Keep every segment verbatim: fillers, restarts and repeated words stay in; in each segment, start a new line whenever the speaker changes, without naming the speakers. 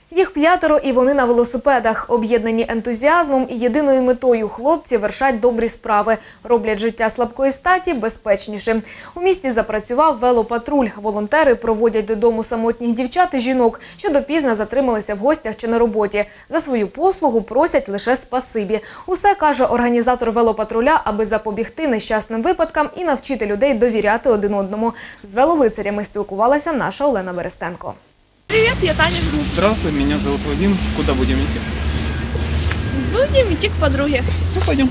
Їх п'ятеро і вони на велосипедах. Об'єднані ентузіазмом і єдиною метою хлопці вершать добрі справи. Роблять життя слабкої статі безпечнішим. У місті запрацював велопатруль. Волонтери проводять додому самотніх дівчат і жінок, що допізно затрималися в гостях чи на роботі. За свою послугу просять лише спасибі. Усе, каже організатор велопатруля, аби запобігти нещасним випадкам і навчити людей довіряти один одному. З велолицарями спілкувалася наша Олена Берестенко.
Привет, я Таня.
Здравствуй, меня зовут Вадим. Куда будем идти?
Будем идти к подруге.
Ну, пойдем.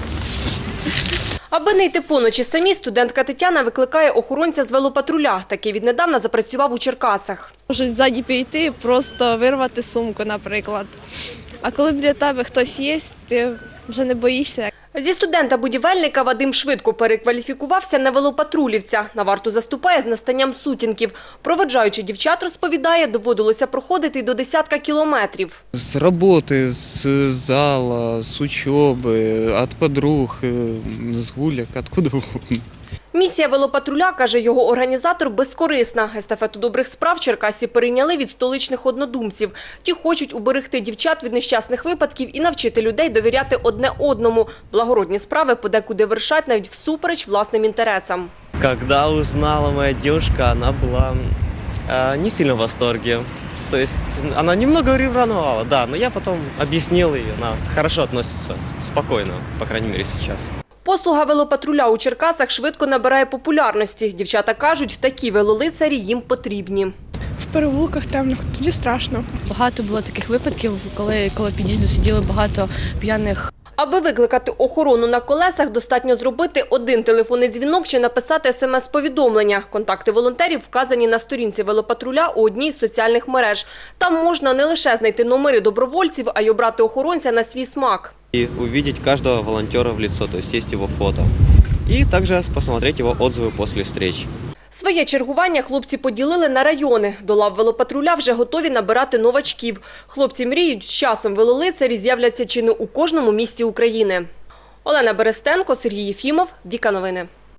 Аби не йти поночі самі, студентка Тетяна викликає охоронця з велопатруля. Такий віднедавна запрацював у Черкасах.
Можуть ззаді піти, просто вирвати сумку, наприклад. А коли біля тебе хтось є, ти вже не боїшся.
Зі студента-будівельника Вадим швидко перекваліфікувався на велопатрулівця. На варту заступає з настанням сутінків. Проводжаючи дівчат, розповідає, доводилося проходити й до десятка кілометрів.
С работы, с зала, с учебы, от подруг, э, с гулек, откуда угодно.
Місія велопатруля, каже його організатор, безкорисна. Естафету добрих справ Черкасці перейняли від столичних однодумців. Ті хочуть уберегти дівчат від нещасних випадків і навчити людей довіряти одне одному. Благородні справи подекуди вершать навіть всупереч власним інтересам.
Когда узнала моя девушка, она была э, не сильно в восторге. То есть она немного ревновала, да, но я потом объяснил, и она хорошо относится, спокойно, по крайней мере сейчас.
Послуга велопатруля у Черкасах швидко набирає популярності. Дівчата кажуть, такі велолицарі їм потрібні.
В переулках темних, тоді страшно.
Багато було таких випадків, коли коло під'їзду сиділи багато п'яних.
Аби викликати охорону на колесах, достатньо зробити один телефонний дзвінок чи написати смс-повідомлення. Контакти волонтерів вказані на сторінці велопатруля у одній з соціальних мереж. Там можна не лише знайти номери добровольців, а й обрати охоронця на свій смак.
И увидеть каждого волонтера в лицо, то есть есть его фото. И также посмотреть его отзывы после встреч.
Своє чергування хлопці поділили на райони. До лав велопатруля вже готові набирати новачків. Хлопці мріють, з часом велолицарі з'являться чи не у кожному місті України. Олена Берестенко, Сергій Єфімов, Віка Новини.